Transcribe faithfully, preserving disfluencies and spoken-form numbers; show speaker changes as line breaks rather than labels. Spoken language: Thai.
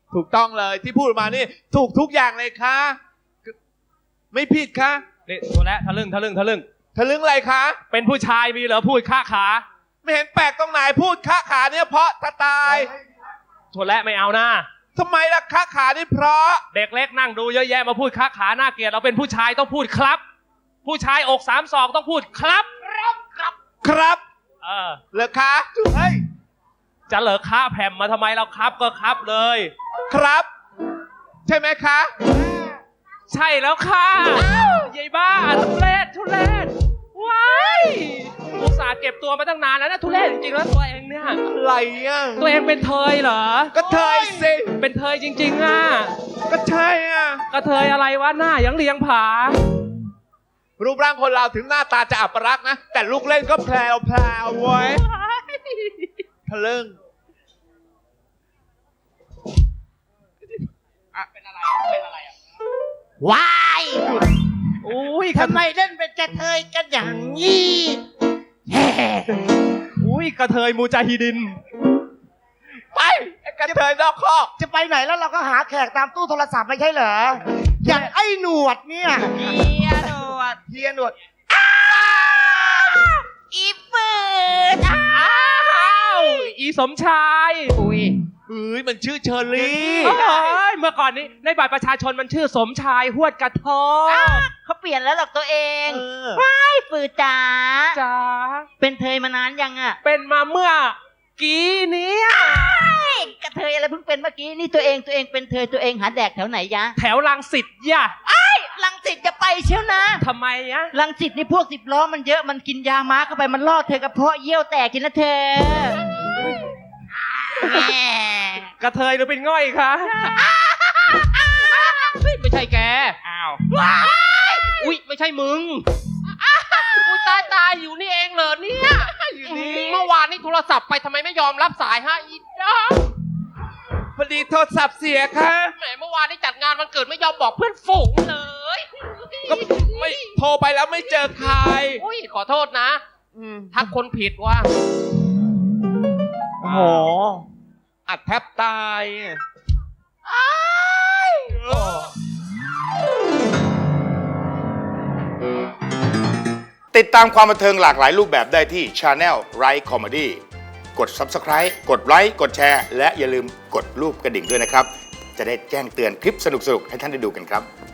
ถูกต้องเลยที่พูดมานี่ถูกทุกอย่างเลยค่ะไม่ผิดค่ะ
นี่ตัวแล้วทะลึ่งทะลึ่งทะลึ่ง
ทะลึ่งอะไรคะ
เป็นผู้ชายมีเหรอพูดค้าขา
ไม่เห็นแปลกตรงไหนพูดค้าขาเนี่ยเพราะตาย
ตัวแล้วไม่เอานะ
ทำไมล่ะค้าขานี่เพราะ
เด็กเล็กนั่งดูเยอะแยะมาพูดค้าขาหน้าเกลียดเราเป็นผู้ชายต้องพูดครับผู้ชายอกสามศอกต้องพูดครับ
ครับครับครับ
เออ
เหรอคะเฮ้ย
จะเหลอค้าแผ่มมาทำไมเราครับก็ครับเลย
ครับใช่ไหมคะ
ใช่แล้วค่ะยายบ้าทุเรศทุเรศว้ายอุตส่าห์เก็บตัวมาตั้งนานแล้วนะทุเรศจริงๆแล้วตัวเองเนี่ย
อะไรอ่ะ
ตัวเองเป็นเทยเหรอ
ก็เทยสิ
เป็นเทยจริงๆอ่ะ
ก็ใช่อ่ะ
ก็เทยอะไรวะหน้ายังเลียงผา
รูปร่างคนเราถึงหน้าตาจะอัปรักษณ์นะแต่ลูกเล่นก็แพรวแพรวไว้ทะลึ่ง
อะเป็นอะไรเป็นอะไรอ่ะ
ว้าย
อุ้ย
ทำไมเล่นเป็นกระเทยกันอย่างนี้แฮ่
อุ้ยกระเทยมูจาฮิดิน
ไปกระเทยนอกคอก
จะไปไหนแล้วเราก็หาแขกตามตู้โทรศัพท์ไม่ใช่เหรออย่างไอ้หนวดเนี่ย
เฮียหนวด
เฮียหนวด
อีปืด
อ้าวอีสมชาย
อุ้ย
เอ้ยมันชื่อเชอรี่
เมื่อก่อนนี้ในบัตรประชาชนมันชื่อสมชายหวดกระทอ
เขาเปลี่ยนแล้วหรอกตัวเองว้ายฝืดจ๋า
จ๋า
เป็นเทยมานานยังอ่ะ
เป็นมาเมื่อกี้นี้
กระเทยอะไรเพิ่งเป็นเมื่อกี้นี่ตัวเองตัวเองเป็นเทยตัวเองหาแดกแถวไหนยะ
แถวรังสิตย่ะ
ไอ้รังสิตจะไปเชียวนะ
ทำไมยะ
รังสิตนี่พวกสิบล้อมันเยอะมันกินยาม้าเข้าไปมันล่อเธอกระเพาะเยี่ยวแตกกินนะเธ
อกระเทยหรือเป็นง่อยคะไม่ใช่แกอ้าวอุ้ยไม่ใช่มึงอุ้ยตายตายอยู่นี่เองเหรอเนี่ยอยู่นี่เมื่อวานนี่โทรศัพท์ไปทำไมไม่ยอมรับสายฮะอีจ้า
พอดีโทรศัพท์เสียค่ะ
แหมเมื่อวานนี่จัดงานวันเกิดไม่ยอมบอกเพื่อนฝูงเลย
ก็ไม่โทรไปแล้วไม่เจอใคร
อุ้ยขอโทษนะทักคนผิดว่า
โอ้โหอัดแทบตาย
ติดตามความบันเทิงหลากหลายรูปแบบได้ที่ Channel Right Comedy กด Subscribe กดไลค์กดแชร์และอย่าลืมกดรูปกระดิ่งด้วยนะครับจะได้แจ้งเตือนคลิปสนุกๆให้ท่านได้ดูกันครับ